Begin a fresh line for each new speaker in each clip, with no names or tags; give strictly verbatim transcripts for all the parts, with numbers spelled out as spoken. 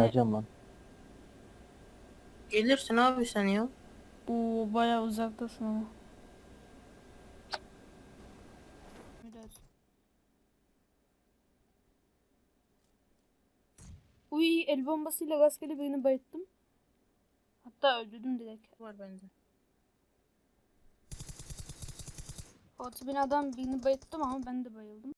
Geleceğim lan.
Gelirsin abi sen ya.
Oo bayağı uzaktasın ama. Biraz. Uy, el bombasıyla rastgele birini bayılttım. Hatta öldürdüm direkt.
Var bende.
Orta binadan birini bayılttım ama ben de bayıldım.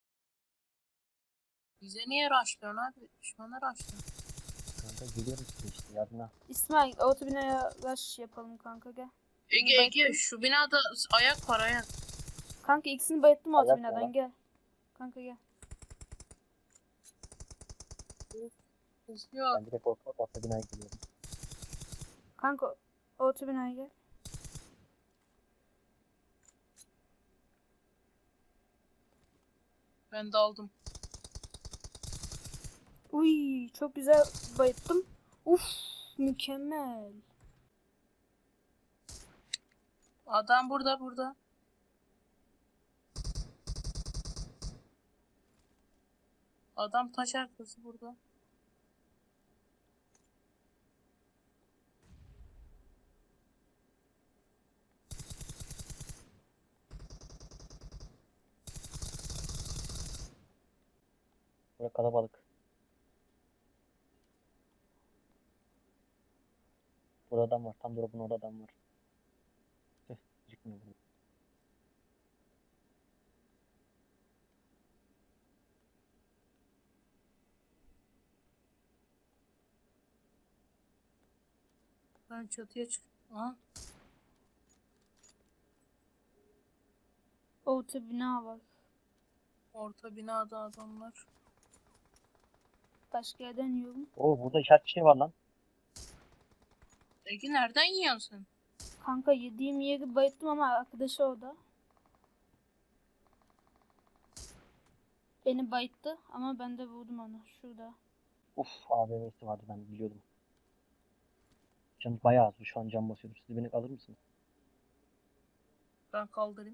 Bize niye rushlıyorsun abi? Düşmana rushlıyorsun.
Kanka geliyorum size işte yarına.
İsmail, orta binaya rush yapalım kanka, gel.
Ege
bayılttım.
Ege şu binada ayak var ayak.
Kanka ikisini bayılttım orta
Ayak
binadan,
var.
gel. Kanka gel.
Yok.
Ben direkt orta, orta binaya geliyorum.
Kanka orta binaya gel.
Ben de aldım.
Uy, çok güzel bayılttım. Uf, mükemmel.
Adam burada burada. Adam taş arkası burada.
Burada kalabalık. Burada adam var. Tam drop'un orada adam var. Tüh, çıkmıyor burada.
Ben çatıya çık. Aha.
Orta bina var.
Orta binada adamlar.
Başka yerden yiyorum.
Oo burada işaret bir şey var lan.
Ege nereden yiyorsun sen?
Kanka yediğim yeri bayılttım ama arkadaşı orada. Beni bayılttı ama ben de vurdum onu. Şurada.
Uf A V M'si vardı ben biliyordum. Canım bayağı az. Şu an can basıyorum. Siz beni alır mısınız?
Ben kaldırayım.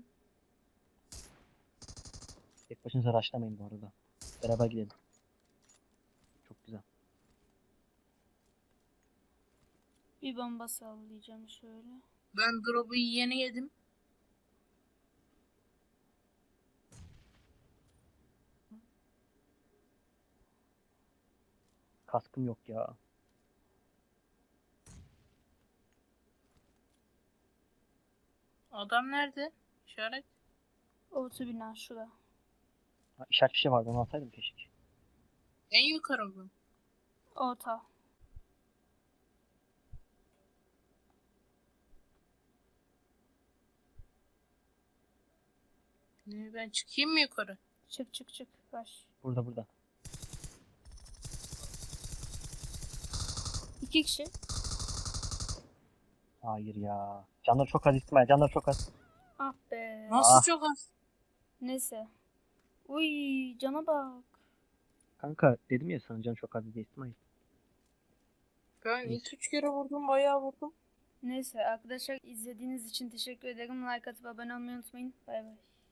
Tek başınıza rushlamayın bu arada. Beraber gidelim. Çok güzel.
Bir bomba sallayacağım şöyle.
Ben drop'u yeni yedim.
Kaskım yok ya.
Adam nerede? İşaret.
Orta bina şurada.
Ha, işaret bir şey vardı onu alsaydım keşke.
En yukarı mı?
Orta.
Ne, ben çıkayım mı yukarı?
Çık çık çık. Baş.
Burada burada.
İki kişi.
Hayır ya. Canlar çok az İsmail. Canlar çok az.
Ah be.
Nasıl
Ah.
çok az?
Neyse. Uy, cana bak.
Kanka dedim ya sana can çok az diye İsmail.
Ben
Neyse.
iki üç kere vurdum, bayağı vurdum.
Neyse arkadaşlar, izlediğiniz için teşekkür ederim. Like atıp abone olmayı unutmayın. Bay bay.